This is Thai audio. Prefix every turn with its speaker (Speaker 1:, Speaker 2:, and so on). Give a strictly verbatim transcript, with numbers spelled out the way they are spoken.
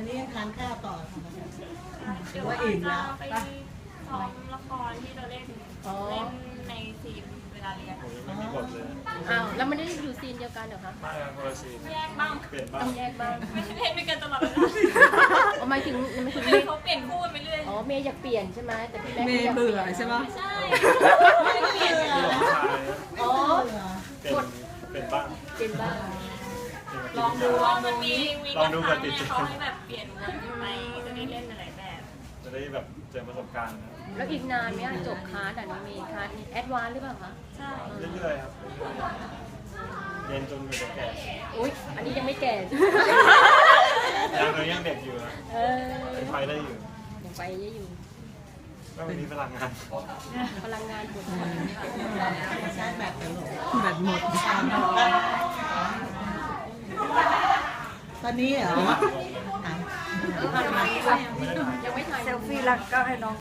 Speaker 1: นี้ยังทานข้าวต่อค่ะ
Speaker 2: เดี๋ยวว่าจะไปซ้อมละครที่เราเล่นเล่นในซีนเวลาเรียน
Speaker 3: ผมยังไม่มีบทเลย
Speaker 4: อ้าวแล้วมันได้อยู่ซีนเดียวกันเหรอคะ
Speaker 3: ไม่ครับคนละซีน
Speaker 2: แยกบ้าง
Speaker 3: เปลี่ยนบ้า
Speaker 4: ต้อง งแยกบ้าง
Speaker 2: ไม่ใช่เล่นด้วยกันตลอดเวลา
Speaker 4: เอาหมายถึงหมายถึง
Speaker 2: เขาเปลี่ยนคู่กันไปเรื่อย
Speaker 4: อ๋อเมย์อยากเปลี่ยนใช่ไหมแต่พี่แม็ก
Speaker 5: เม
Speaker 4: ซ์
Speaker 5: ย์
Speaker 4: อยาก
Speaker 5: เบื่
Speaker 4: เป
Speaker 5: อ
Speaker 4: ลี่ยน
Speaker 5: ใช่ปะ
Speaker 2: ใช่
Speaker 1: ไม่เบื่อ
Speaker 3: ที่น้องชาย
Speaker 4: อ๋อ
Speaker 3: เป็นเป็นบ้าง
Speaker 4: เป็นบ้าง
Speaker 2: ลองดูว่ามันมีวีคละครั้งเนี่ยเขาให้แบบเปลี่ยนวนไปจะได้เล่นอะไรแบบ
Speaker 3: จะได้แบบเจอประสบการณ์นะ
Speaker 4: แล้วอีกนานไหมอะจบคลาสอ่ะน้องเมย์คลาสนี้แอดวานซ์หรือเปล่าคะ
Speaker 2: ใช่
Speaker 3: เรื่อยๆครับเรียนจนอยู่จะแก่
Speaker 4: อุ๊ยอันนี้ยังไม่แก่
Speaker 3: ยังเรายังเด็กอยู่นะ
Speaker 4: เออ
Speaker 3: ยังไปได้อยู่
Speaker 4: ยังไปเยอะอยู่
Speaker 3: ก็มีพลังงาน
Speaker 4: พลังงานปวด
Speaker 1: ใช้แบบตลก
Speaker 5: แบตหมด
Speaker 1: ตอนนี้เหรอ
Speaker 4: ยังไม่ถ่าย
Speaker 3: ไม่ได้ถ่าย
Speaker 4: ยังไม่ถ่าย
Speaker 6: เซลฟี่แล้วก็ให้น้อง